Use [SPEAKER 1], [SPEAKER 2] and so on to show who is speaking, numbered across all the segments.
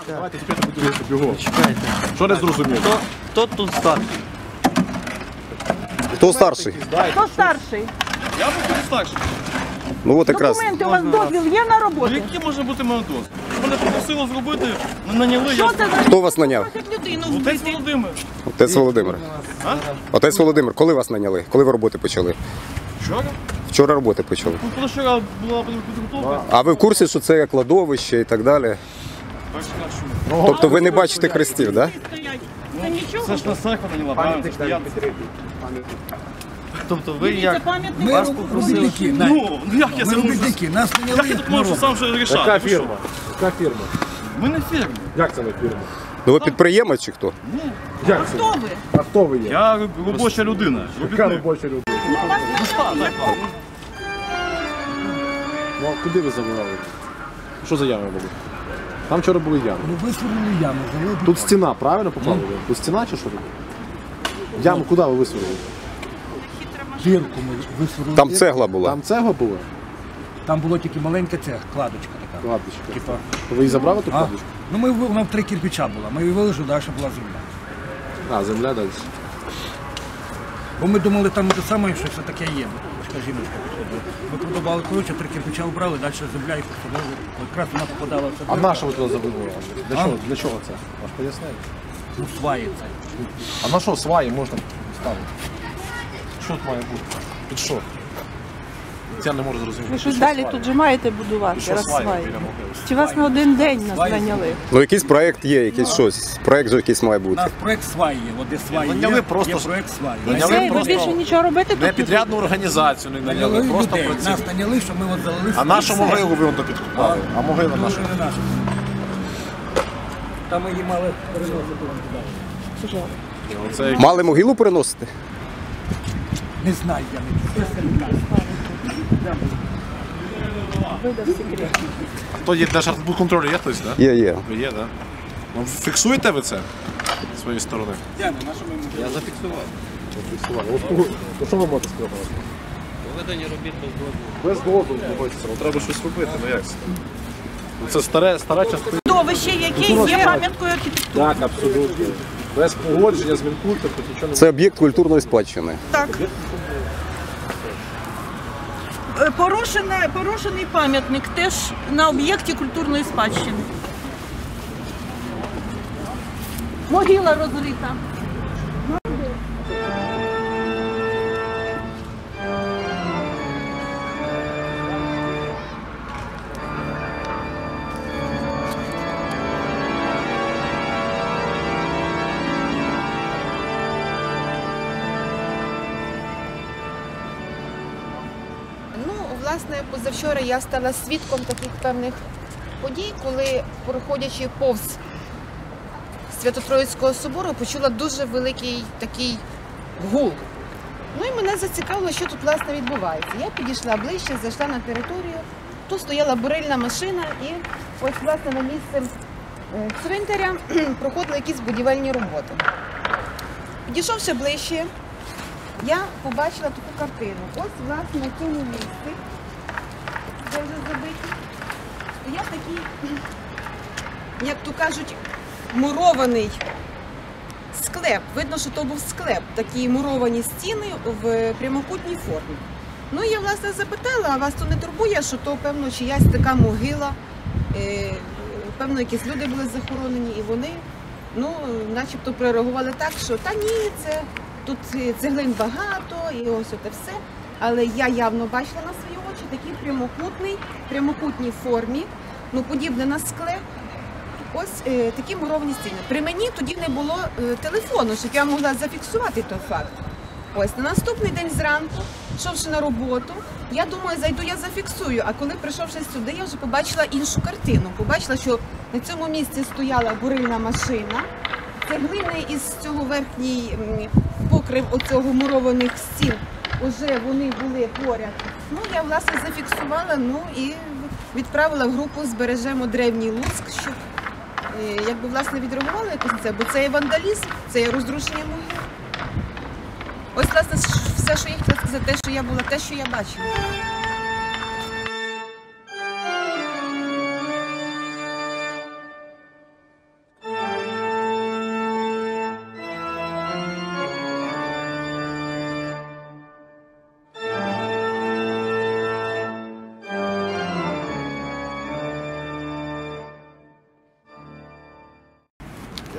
[SPEAKER 1] Давайте тепер подивіться бігом.
[SPEAKER 2] Чекайте.
[SPEAKER 1] Що не зрозуміло?
[SPEAKER 2] Хто тут старший?
[SPEAKER 3] Хто старший?
[SPEAKER 4] Хто старший?
[SPEAKER 2] Я буду старший.
[SPEAKER 3] Ну от якраз.
[SPEAKER 4] Документи, у вас дозвіл є на роботу?
[SPEAKER 2] Який може бути мелодоз? Мене попросили зробити, наняли,
[SPEAKER 4] Що це за
[SPEAKER 3] Хто вас наняв?
[SPEAKER 4] людину
[SPEAKER 2] Отець
[SPEAKER 4] вбити?
[SPEAKER 2] Володимир.
[SPEAKER 3] Отець Володимир.
[SPEAKER 2] А?
[SPEAKER 3] Отець Володимир, коли вас наняли? Коли ви роботи почали?
[SPEAKER 2] Вчора?
[SPEAKER 3] Вчора роботи почали.
[SPEAKER 2] Ну, позавчора була підготовка.
[SPEAKER 3] А ви в курсі, що це кладовище і так далі?
[SPEAKER 2] Перший раз чую.
[SPEAKER 3] Тобто ви не бачите хрестів, так?
[SPEAKER 4] Це нічого?
[SPEAKER 2] Це ж на церква наняла, правильно? Це ж я. Тобто ви
[SPEAKER 4] Це
[SPEAKER 2] як?
[SPEAKER 4] пам'ятник.
[SPEAKER 2] Вас попросили.
[SPEAKER 5] робітники,
[SPEAKER 2] Ну, як я
[SPEAKER 5] Ми
[SPEAKER 2] це можу?
[SPEAKER 5] робітники, нас
[SPEAKER 2] Як я
[SPEAKER 5] наняли.
[SPEAKER 2] тут можу сам вже рішати?
[SPEAKER 1] Яка
[SPEAKER 2] Ви що?
[SPEAKER 1] фірма? Яка фірма?
[SPEAKER 2] Ми не фірма.
[SPEAKER 1] Як це не фірма?
[SPEAKER 3] Ну ви підприємець чи хто?
[SPEAKER 1] Як це?
[SPEAKER 4] Хто ви?
[SPEAKER 1] А хто ви є?
[SPEAKER 2] Я робоча людина.
[SPEAKER 1] Яка
[SPEAKER 2] Робітник.
[SPEAKER 1] робоча людина? Ну а куди ви завели? Що за ями були? Там вчора були ями.
[SPEAKER 5] Ну висверлили яму, залили.
[SPEAKER 1] Тут стіна, правильно попали? Тут стіна чи що? Яму куди ви висверлили?
[SPEAKER 5] Дірку ми висверлили.
[SPEAKER 3] Там цегла була.
[SPEAKER 1] Там цегла була?
[SPEAKER 5] Там було тільки маленька цех, кладочка така.
[SPEAKER 1] Кладочка.
[SPEAKER 5] Типа.
[SPEAKER 1] То ви її забрали ту
[SPEAKER 5] А?
[SPEAKER 1] кладочку?
[SPEAKER 5] Ну ми вона в 3 кирпича була. Ми її вилежили, далі була земля.
[SPEAKER 1] А, земля далі.
[SPEAKER 5] Бо ми думали, там те саме, що все таке є. Бо жіночка підходила. Ми продавали, коротше, 3 кирпича обрали, далі земля і посадили. Якраз вона попадала в
[SPEAKER 1] А
[SPEAKER 5] це.
[SPEAKER 1] на що ви туди завели? Для чого це? Ваш пояснили?
[SPEAKER 5] Ну, сваї це.
[SPEAKER 1] А на що сваї можна ставити? Що тут має бути? Під що? Я не можу зрозуміти.
[SPEAKER 4] Ви щось далі тут же маєте будувати,
[SPEAKER 1] Що сваї
[SPEAKER 4] розсваї.
[SPEAKER 1] біля могили?
[SPEAKER 4] Чи вас на один день нас наняли?
[SPEAKER 3] Ну якийсь проєкт є, якийсь щось. Проєкт же якийсь має
[SPEAKER 5] У
[SPEAKER 3] бути.
[SPEAKER 5] нас проєкт сваї є, от де сваї
[SPEAKER 1] Наняли
[SPEAKER 5] є,
[SPEAKER 1] просто-
[SPEAKER 5] є проєкт сваї.
[SPEAKER 4] І
[SPEAKER 1] Наняли
[SPEAKER 4] все, і ви
[SPEAKER 1] просто
[SPEAKER 4] більше нічого робити тут
[SPEAKER 1] Не
[SPEAKER 4] не
[SPEAKER 1] підрядну організацію не наняли, просто
[SPEAKER 5] людей.
[SPEAKER 1] працювали.
[SPEAKER 5] Нас наняли, що ми от залили.
[SPEAKER 1] А нашу могилу ви воно підкупали? А могила наша?
[SPEAKER 5] Не наша. Там ми її мали переносити туди.
[SPEAKER 1] Оце
[SPEAKER 3] Мали могилу переносити?
[SPEAKER 5] Не знаю, я не
[SPEAKER 4] видав секрет.
[SPEAKER 1] хто є Держархбудконтролю, є хтось, так?
[SPEAKER 3] Є, є.
[SPEAKER 1] Ви є, так? Ну, фіксуєте ви це з своєї сторони?
[SPEAKER 5] Я зафіксував.
[SPEAKER 1] То що ви можете сказати?
[SPEAKER 2] Проведення робіт без дозволу.
[SPEAKER 1] Без дозволу знаходиться, треба щось робити, ну як це? Це стара частина.
[SPEAKER 4] Довище, яке є пам'яткою архітектури.
[SPEAKER 1] Так, абсолютно. Без погодження з Мінкультом тут нічого не
[SPEAKER 3] Це об'єкт культурної спадщини.
[SPEAKER 4] Так. Порушений пам'ятник теж на об'єкті культурної спадщини. Могила розрита.
[SPEAKER 6] Ну, власне, позавчора я стала свідком таких певних подій, коли, проходячи повз Свято-Троїцького собору, почула дуже великий такий гул. Ну і мене зацікавило, що тут, власне, відбувається. Я підійшла ближче, зайшла на територію, тут стояла бурильна машина і ось, власне, на місце цвинтаря проходили якісь будівельні роботи. Підійшовши ближче, я побачила таку картину. Ось, власне, на цьому місці, де вже забиті, стояв такий, як то кажуть, мурований склеп. Видно, що то був склеп, такі муровані стіни в прямокутній формі. Ну, я, власне, запитала, а вас то не турбує, що то, певно, чиясь така могила, певно, якісь люди були захоронені, і вони, ну, начебто прореагували так, що та ні, це тут цеглин багато, і ось оте все. Але я явно бачила на свої очі такий прямокутній формі, ну, подібне на склеп. Ось такі муровані стіни. При мені тоді не було телефону, щоб я могла зафіксувати той факт. Ось на наступний день зранку, йшовши на роботу, я думаю, зайду, я зафіксую. А коли прийшовши сюди, я вже побачила іншу картину. Побачила, що на цьому місці стояла бурильна машина, цеглини із цього верхній покрив оцього мурованих стін, уже вони були поряд. Ну, я, власне, зафіксувала, ну і відправила в групу «Збережемо древній Луцьк», щоб якби, власне, відреагували якось на це, бо це є вандалізм, це є розрушення могил. Ось, власне, все, що я хотіла сказати, те, що я була, те, що я бачила.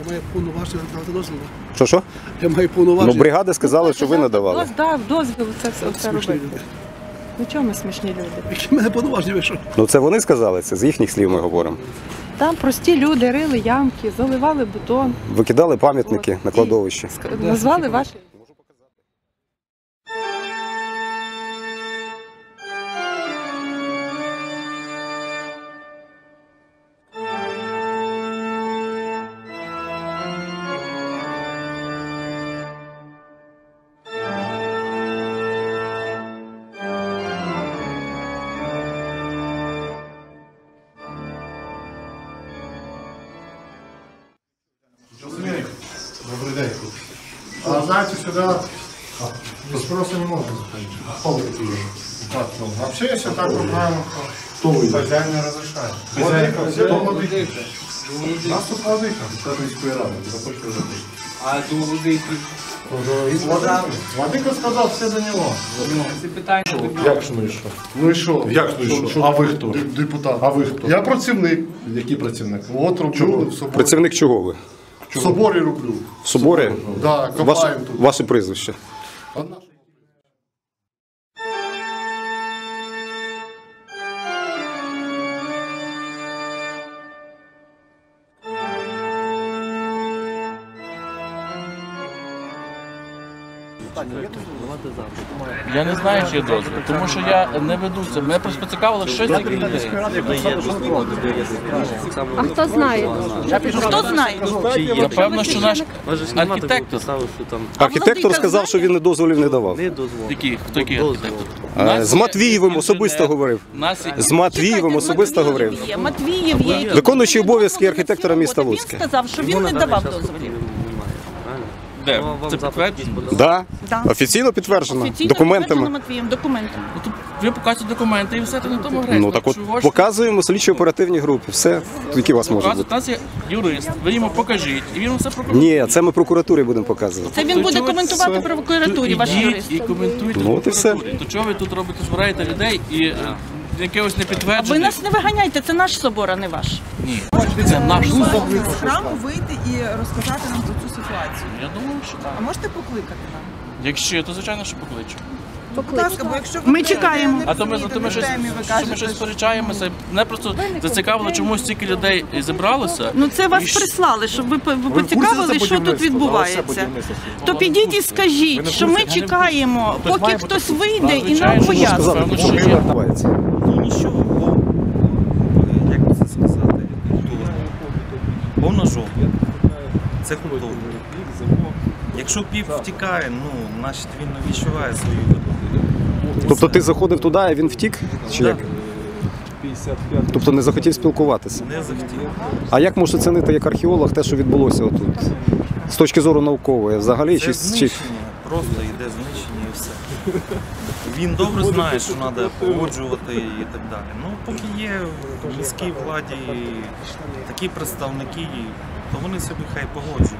[SPEAKER 7] маю повноваження надавати дозвіл.
[SPEAKER 3] Що?
[SPEAKER 7] Я маю
[SPEAKER 3] Ну,
[SPEAKER 7] повноваження.
[SPEAKER 3] бригади сказали, що ви надавали.
[SPEAKER 8] Дав дозвіл це все
[SPEAKER 7] Смішні
[SPEAKER 8] робити.
[SPEAKER 7] люди.
[SPEAKER 8] Ну чого ми смішні люди?
[SPEAKER 7] Які в мене повноваження вийшов?
[SPEAKER 3] Ну це вони сказали, це з їхніх слів ми говоримо.
[SPEAKER 8] Там прості люди рили ямки, заливали бетон,
[SPEAKER 3] Викидали пам'ятники на кладовище.
[SPEAKER 8] назвали ваші.
[SPEAKER 9] Добрый день. А знаете, сюда без спроса не можно заходить. А кто вы такие? Так, ну, вообще, если так вот правильно, то хозяин не разрешает. Владыка, кто владыка? Нас тут владыка.
[SPEAKER 10] А до владики?
[SPEAKER 9] Владыка сказал, все до него.
[SPEAKER 10] Це питання.
[SPEAKER 9] Як ж ну і що? Ну і що? Як ну і що? А ви хто? Депутат. А ви хто? Я працівник. Який працівник? От роблю в соборі.
[SPEAKER 3] Працівник чого ви?
[SPEAKER 9] В соборі роблю.
[SPEAKER 3] В соборі?
[SPEAKER 9] Да, копаємо тут.
[SPEAKER 3] Ваше прізвище.
[SPEAKER 9] А наше?
[SPEAKER 2] Я не знаю, чи є дозвіл, тому що я не веду це. Мене просто поцікавило, що ці людей.
[SPEAKER 4] А хто знає? Хто знає?
[SPEAKER 2] Напевно, що наш архітектор.
[SPEAKER 3] Архітектор сказав, що він дозволів не давав.
[SPEAKER 2] Який? Хто який архітектор?
[SPEAKER 3] З Матвієвим особисто говорив. З Матвієвим особисто говорив.
[SPEAKER 4] Матвієв є. який-
[SPEAKER 3] Виконуючий обов'язки архітектора міста Луцька.
[SPEAKER 4] Він сказав, що він не давав дозволів.
[SPEAKER 2] Де? Це підтверджено?
[SPEAKER 3] Да.
[SPEAKER 4] Да.
[SPEAKER 3] Офіційно підтверджено.
[SPEAKER 4] Офіційно
[SPEAKER 3] Документами.
[SPEAKER 4] підтверджено Матвієм, документами.
[SPEAKER 2] Ну, то ви показуєте документи і все, то на тому грець.
[SPEAKER 3] Ну так от показуємо слідчо-оперативній групі. Все, які у вас можуть
[SPEAKER 2] У
[SPEAKER 3] бути.
[SPEAKER 2] нас є юрист, ви йому покажіть, і він все прокоментує.
[SPEAKER 3] Ні, це ми прокуратурі будемо показувати.
[SPEAKER 4] Це він буде
[SPEAKER 2] чого
[SPEAKER 4] коментувати
[SPEAKER 2] це?
[SPEAKER 4] в прокуратурі, ваш
[SPEAKER 2] Ідіть
[SPEAKER 4] юрист.
[SPEAKER 2] і коментуйте
[SPEAKER 3] Ну,
[SPEAKER 2] в
[SPEAKER 3] от і все.
[SPEAKER 2] прокуратурі. То чого ви тут робите, збираєте людей і якогось
[SPEAKER 4] Ви
[SPEAKER 2] непідтверджених?
[SPEAKER 4] нас не виганяйте, це наш собор, а не ваш.
[SPEAKER 2] Ні, це наш собор.
[SPEAKER 11] З храму вийти і розказати нам про цю ситуацію.
[SPEAKER 2] Я думаю, що так.
[SPEAKER 11] А можете покликати нам?
[SPEAKER 2] Якщо, то звичайно, що покличу.
[SPEAKER 11] Будь ласка, бо якщо
[SPEAKER 4] Ми чекаємо.
[SPEAKER 2] А то ми щось, що ми щось сперечаємося. Мене просто зацікавило, чому стільки людей зібралося.
[SPEAKER 4] Ну це
[SPEAKER 2] І
[SPEAKER 4] вас
[SPEAKER 2] що-
[SPEAKER 4] прислали, щоб ви поцікавили, що тут відбувається. То підіть і скажіть, що ми чекаємо, поки хтось вийде і нам пояснить.
[SPEAKER 2] Певно, що
[SPEAKER 3] Що
[SPEAKER 2] є.
[SPEAKER 3] відбувається?
[SPEAKER 10] Ну нічого, як би це сказати, повна жопа. Це культура. Якщо піп втікає, ну, значить він не відчуває свою виду.
[SPEAKER 3] Тобто ти заходив туди, а він втік? Чи як? Тобто не захотів спілкуватися.
[SPEAKER 10] Не захотів.
[SPEAKER 3] А як можеш оцінити як археолог те, що відбулося отут? З точки зору наукової взагалі?
[SPEAKER 10] Це
[SPEAKER 3] Чи...
[SPEAKER 10] знищення, просто йде знищення і все. Він добре знає, що треба погоджувати і так далі. Ну, поки є в міській владі такі представники, то вони собі хай погоджують.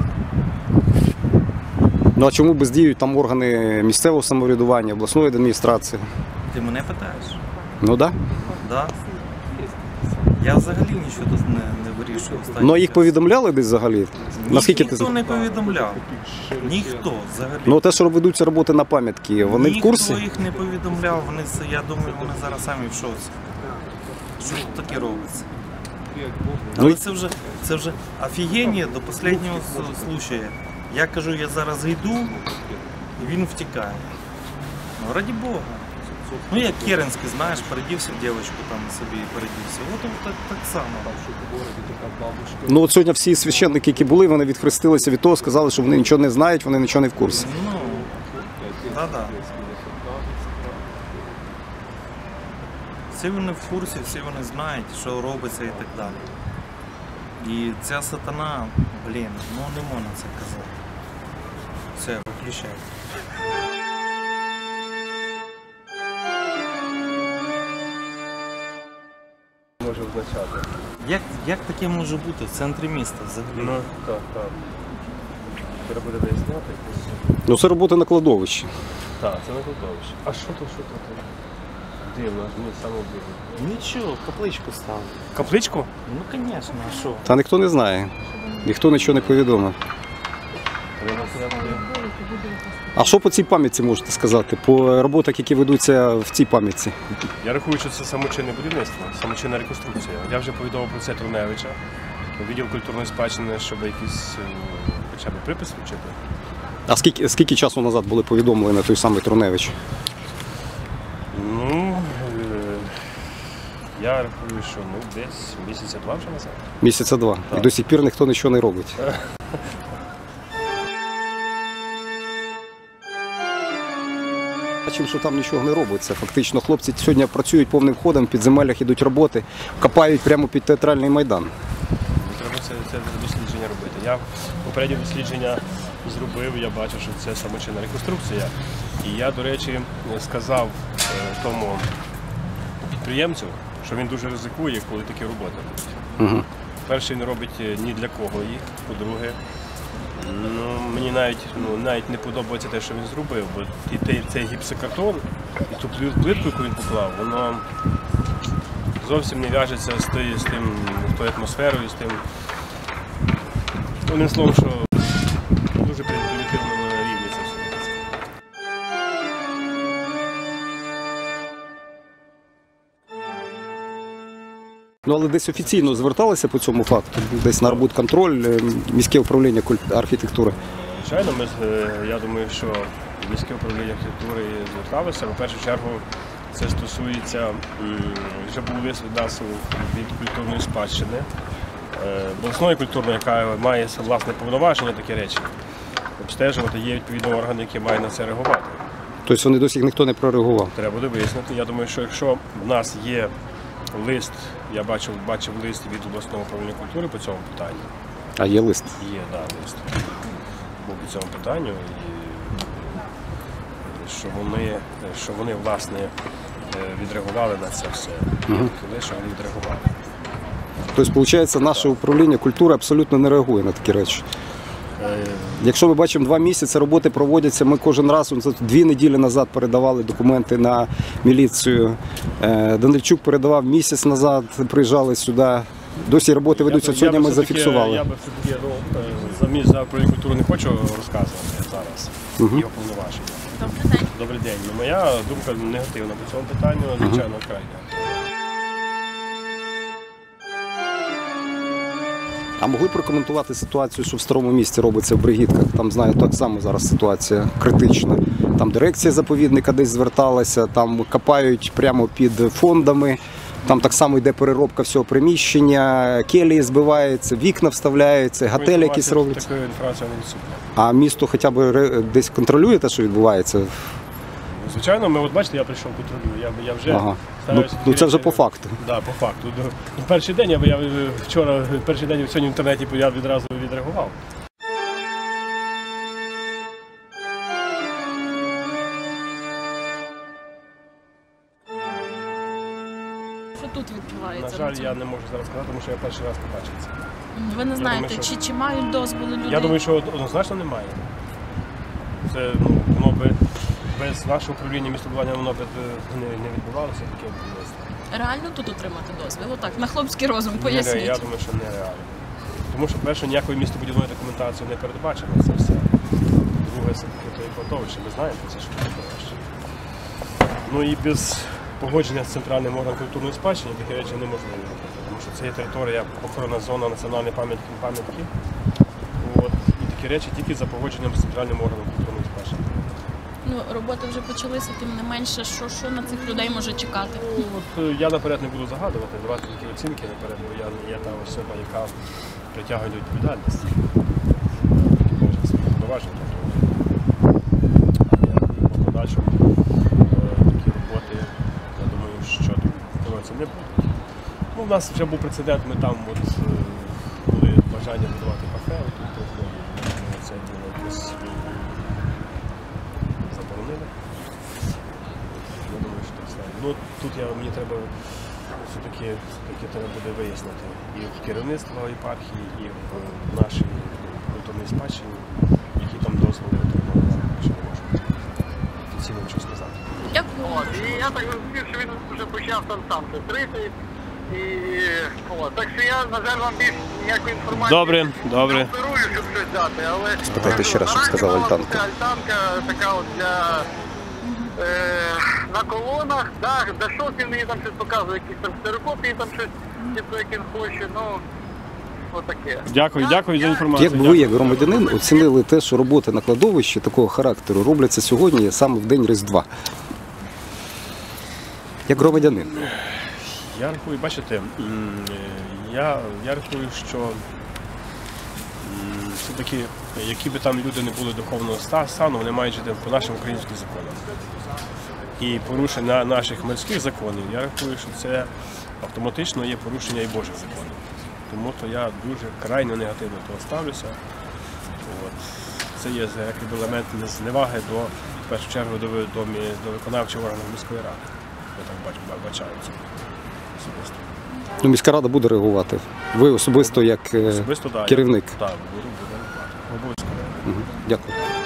[SPEAKER 3] Ну а чому бездіють там органи місцевого самоврядування, обласної адміністрації?
[SPEAKER 10] Ти мене питаєш?
[SPEAKER 3] Ну так.
[SPEAKER 10] Да. Я взагалі нічого тут не вирішую.
[SPEAKER 3] Ну а їх повідомляли десь взагалі? Наскільки ти
[SPEAKER 10] Ніхто не повідомляв. Ніхто взагалі.
[SPEAKER 3] Ну те, що ведуться роботи на пам'ятки, вони в курсі?
[SPEAKER 10] Ніхто їх не повідомляв. Вони, я думаю, вони зараз самі в шоці. Що тут таке робиться? Але це вже офігення до останнього случая. Я кажу, я зараз йду, і він втікає. Ну, раді Бога. Ну, як Керенський, знаєш, передівся в дівчинку там собі передівся. От так само.
[SPEAKER 3] Ну от сьогодні всі священники, які були, вони відхрестилися від того, сказали, що вони нічого не знають, вони нічого не в курсі.
[SPEAKER 10] Ну, да-да. Всі вони в курсі, всі вони знають, що робиться і так далі. І ця сатана, блін, ну не можна це казати. Все, виключай.
[SPEAKER 1] Може означати.
[SPEAKER 10] Як таке може бути в центрі міста взагалі?
[SPEAKER 1] Ну, так. Треба буде виясняти.
[SPEAKER 3] Ну це робота на кладовищі.
[SPEAKER 1] Так, це не кладовище. А що тут? Дивно, аж мені саме дивно.
[SPEAKER 10] Нічого, капличку ставили.
[SPEAKER 1] Капличку?
[SPEAKER 10] Ну, звісно, а що?
[SPEAKER 3] Та ніхто не знає. Ніхто нічого не повідомив. А що по цій пам'ятці можете сказати? По роботах, які ведуться в цій пам'ятці?
[SPEAKER 12] Я рахую, що це самочинне будівництво, самочинна реконструкція. Я вже повідомив про це Труневича, відділ культурної спадщини, щоб якийсь хоча б припис вчити.
[SPEAKER 3] А скільки часу назад були повідомлені той самий Труневич?
[SPEAKER 12] Ну, я рахую, що десь місяця два вже назад.
[SPEAKER 3] Місяця два.
[SPEAKER 12] Так.
[SPEAKER 3] І до сих пір ніхто нічого не робить. Бачимо, що там нічого не робиться. Фактично хлопці сьогодні працюють повним ходом, в підземеллях ідуть роботи, копають прямо під театральний майдан.
[SPEAKER 12] Треба це дослідження робити. Я попереднє дослідження зробив, я бачу, що це самочинна реконструкція. І я, до речі, сказав тому підприємцю, що він дуже ризикує, коли такі роботи робить.
[SPEAKER 3] Угу.
[SPEAKER 12] Перше, він робить ні для кого їх, по-друге, мені навіть не подобається те, що він зробив, бо цей гіпсокартон і ту плитку, яку він поклав, воно зовсім не в'яжеться з тою атмосферою, з тим, одним словом, що дуже примітивному рівні це все.
[SPEAKER 3] Ну, але десь офіційно зверталися по цьому факту? Десь на арбудконтроль, міське управління архітектури?
[SPEAKER 12] Звичайно, я думаю, що міське управління архітектури зверталося. В першу чергу це стосується, вже був лист від нас від культурної спадщини, обласної культурної, яка має власне повноваження, такі речі. Обстежувати, є відповідні органи, які мають на це реагувати.
[SPEAKER 3] Тобто вони досі ніхто не прореагував?
[SPEAKER 12] Треба буде вияснити. Я думаю, що якщо в нас є лист, я бачив лист від обласного управління культури по цьому питанню.
[SPEAKER 3] А є лист?
[SPEAKER 12] Є, так, лист. Був по цьому питанню. І що вони власне, відреагували на це все. Що вони відреагували.
[SPEAKER 3] Тобто, виходить, наше управління культури абсолютно не реагує на такі речі? Якщо ми бачимо 2 місяці, роботи проводяться, ми кожен раз, 2 неділі назад передавали документи на міліцію, Данильчук передавав місяць назад, приїжджали сюди, досі роботи ведуться, сьогодні ми зафіксували.
[SPEAKER 12] Я би все-таки за управління культури не хочу розказувати зараз його повноваження. Добрий день. Моя думка негативна по цьому питанню, звичайно, крайня.
[SPEAKER 3] А могли б прокоментувати ситуацію, що в Старому Місті робиться в Бригідках? Там, знаю, так само зараз ситуація критична. Там дирекція заповідника десь зверталася, там копають прямо під фондами, там так само йде переробка всього приміщення, келії збиваються, вікна вставляються, готелі якісь робляться.
[SPEAKER 12] Такої інформації не відсутня.
[SPEAKER 3] А місто хоча б десь контролює те, що відбувається?
[SPEAKER 12] Звичайно, от бачите, я прийшов контролюю, я вже...
[SPEAKER 3] Ага. Ну це вже по факту.
[SPEAKER 12] Так, по факту. Перший день, я вчора, перший день сьогодні в інтернеті я відразу відреагував.
[SPEAKER 13] Що тут відбувається?
[SPEAKER 12] На жаль, я не можу зараз сказати, тому що я перший раз побачив це.
[SPEAKER 13] Ви не знаєте, чи мають дозволи люди?
[SPEAKER 12] Я думаю, що однозначно немає. Це, воно би без нашого управління містобудування воно б не відбувалося таке будівництво.
[SPEAKER 13] Реально тут отримати дозвіл? Отак, на хлопський розум, поясніть.
[SPEAKER 12] Я думаю, що нереально. Тому що, перше, ніякої містобудівної документації не передбачено це все. Друге, це таке то і кладовище, ви знаєте, це що кладовище. Ну і без погодження з центральним органом культурної спадщини такі речі неможливо робити. Тому що це є територія, охоронна зона національної пам'ятки. І такі речі тільки за погодженням з центральним органом культурної спадщини.
[SPEAKER 13] Ну, роботи вже почалися, тим не менше, що на цих людей може чекати?
[SPEAKER 12] Я наперед не буду загадувати, давати такі оцінки наперед, бо я не є та особа, яка притягує до відповідальності. Може, це повноваження. Але по подальшому такі роботи, я думаю, що це не будуть. Ну, у нас вже був прецедент, ми там були бажання будувати кафе, це було якось заборонили. Я думаю, що так стане. Ну, тут мені треба все-таки треба буде вияснити і в керівництво єпархії, і в нашій культурній спадщині, які там дозволи отримали, що не можу офіційно нічого сказати.
[SPEAKER 13] Дякую.
[SPEAKER 9] І я так розумів, що він вже почав там стрити, Так що я, на жаль, вам більш ніякої інформації
[SPEAKER 12] Добре.
[SPEAKER 9] не оперую, щоб щось дати, але...
[SPEAKER 3] Спитайте ще раз, щоб сказала Альтанка.
[SPEAKER 9] Це альтанка така от для... на колонах, да, Дашок він мені там щось показує, якісь там ксерокопії, там щось, типу, як він хоче, ну... Отаке.
[SPEAKER 12] Дякую за інформацію.
[SPEAKER 3] Як би ви, як громадянин, оцінили те, що роботи на кладовищі такого характеру робляться сьогодні саме в день Різдва? Як громадянин?
[SPEAKER 12] Я рахую, бачите, я рахую, що все-таки, які би там люди не були духовного стану, вони мають жити по нашим українським законам. І порушення наших мирських законів, я рахую, що це автоматично є порушення і Божих законів. Тому то я дуже крайне негативно до того ставлюся. Це є як елемент зневаги до, в першу чергу, до виконавчого органу міської ради. Я так бачаю це особисто.
[SPEAKER 3] Ну, міська рада буде реагувати. Ви особисто як керівник.
[SPEAKER 12] Так, буду реагувати. Обов'язково.
[SPEAKER 3] Дякую.